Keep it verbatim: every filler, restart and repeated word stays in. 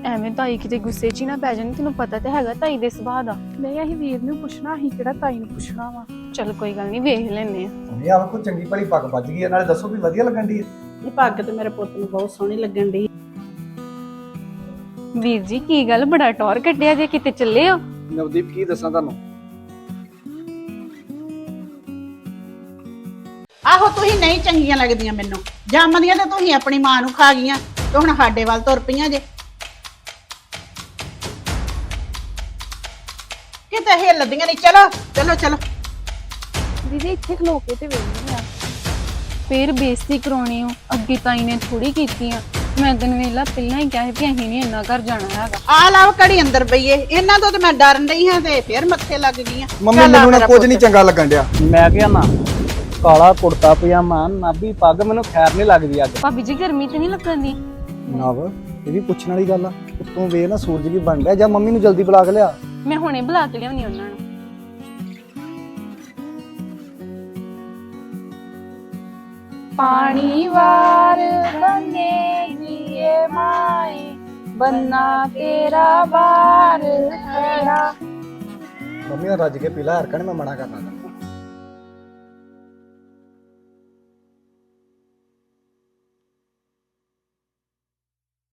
ਐਵੇਂ ਤਾਈ ਕਿਤੇ ਗੁੱਸੇ 'ਚ ਹੀ ਨਾ ਪੈ ਜਾਣ। ਤੈਨੂੰ ਪਤਾ ਤੇ ਹੈਗਾ ਤਾਈ ਦੇ ਸੁਭਾਅ ਦਾ। ਨਹੀਂ ਅਸੀਂ ਵੀਰ ਨੂੰ ਪੁੱਛਣਾ, ਅਸੀਂ ਕਿਹੜਾ ਤਾਈ ਨੂੰ ਪੁੱਛਣਾ ਵਾ। ਚਲ ਕੋਈ ਗੱਲ ਨਹੀਂ, ਵੇਖ ਲੈਨੇ ਆ। ਨਹੀਂ ਆ ਕੋਈ ਚੰਗੀ ਭਲੀ ਪੱਗ ਵੱਜ ਗਈ ਹੈ, ਨਾਲੇ ਦੱਸੋ ਵੀ ਵਧੀਆ ਲੱਗਣ ਦੀ ਹੈ। ਇਹ ਪੱਗ ਤੇ ਮੇਰੇ ਪੁੱਤ ਨੂੰ ਬਹੁਤ ਸੋਹਣੀ ਲੱਗਣ ਦੀ। ਵੀਰ ਜੀ ਕੀ ਗੱਲ, ਬੜਾ ਟੌਰ ਕੱਢਿਆ ਜੇ, ਕਿਤੇ ਚੱਲੇ ਹੋ? ਨਵਦੀਪ ਕੀ ਦੱਸਾਂ ਤੁਹਾਨੂੰ, ਆਹੋ ਤੁਸੀਂ ਨਹੀਂ ਚੰਗੀਆਂ ਲੱਗਦੀਆਂ ਮੈਨੂੰ। ਜੰਮਦੀਆਂ ਤੇ ਤੁਸੀਂ ਆਪਣੀ ਮਾਂ ਨੂੰ ਖਾ ਗਈਆਂ ਤੇ ਹੁਣ ਸਾਡੇ ਵੱਲ ਤੁਰ ਪਈਆਂ ਜੇ। ਕਿਤੇ ਹਿੱਲਦੀਆਂ ਨਹੀਂ। ਚਲੋ ਚਲੋ ਚਲੋ। ਦੀਦੀ ਇੱਥੇ ਖਲੋ ਕੇ ਤੇ ਵੇਖਣੀ ਆ, ਫੇਰ ਬੇਇੱਜ਼ਤੀ ਕਰਾਉਣੀ ਹੋ। ਅੱਗੇ ਤਾਈ ਨੇ ਥੋੜੀ ਕੀਤੀ ਆ। ਮੈਂ ਤੈਨੂੰ ਵੇਲਾ ਪਹਿਲਾਂ ਹੀ ਕਿਹਾ ਸੀ ਕਿ ਅਸੀਂ ਨਹੀਂ ਇੰਨਾ ਘਰ ਜਾਣਾ ਹੈਗਾ। ਆ ਲਾਓ ਘੜੀ ਅੰਦਰ ਪਈਏ। ਇਹਨਾਂ ਤੋਂ ਤੇ ਮੈਂ ਡਰਨ ਡਈ ਹਾਂ ਤੇ ਫੇਰ ਮੱਥੇ ਲੱਗ ਗਈਆਂ। ਮੰਮੀ ਚੱਲ ਆ ਮੈਨੂੰ ਨਾ ਮੇਰਾ ਕੁਝ ਪੁੱਤ। ਨਹੀਂ ਚੰਗਾ ਲੱਗਣ ਡਿਆ। ਮੈਂ ਕਿਹਾ ਨਾ ਕਾਲਾ ਕੁੜਤਾ ਪਜਾਮਾ ਨਾਭੀ ਪੱਗ ਮੈਨੂੰ ਖੈਰ ਨਹੀਂ ਲੱਗਦੀ ਅੱਜ। ਭਾਬੀ ਜੀ ਗਰਮੀ ਤੇ ਨਹੀਂ ਲੱਗਣ ਦੀ? ਨਵ ਇਹ ਵੀ ਪੁੱਛਣ ਵਾਲੀ ਗੱਲ ਆ, ਉੱਤੋਂ ਵੇ ਨਾ ਸੂਰਜ ਵੀ ਬਣ ਰਿਹਾ। ਜਾਂ ਮੰਮੀ ਨੂੰ ਜਲਦੀ ਬੁਲਾ ਕੇ ਲਿਆ। ਮੈਂ ਹੁਣੇ ਬੁਲਾ ਕੇ ਲਿਆਉਣੀ ਉਹਨਾਂ ਨੂੰ। ਪਾਣੀ ਵਾਰ ਬੰਨੇ ਜੀਏ ਮਾਏ, ਬੰਨਾ ਤੇਰਾ ਬਾਰ ਖੜਾ। ਮੰਮੀ ਨਾਲ ਰੱਜ ਕੇ ਪੀਲਾ ਹਰਕਣ, ਮੈਂ ਮਨਾ ਕਰਨਾ।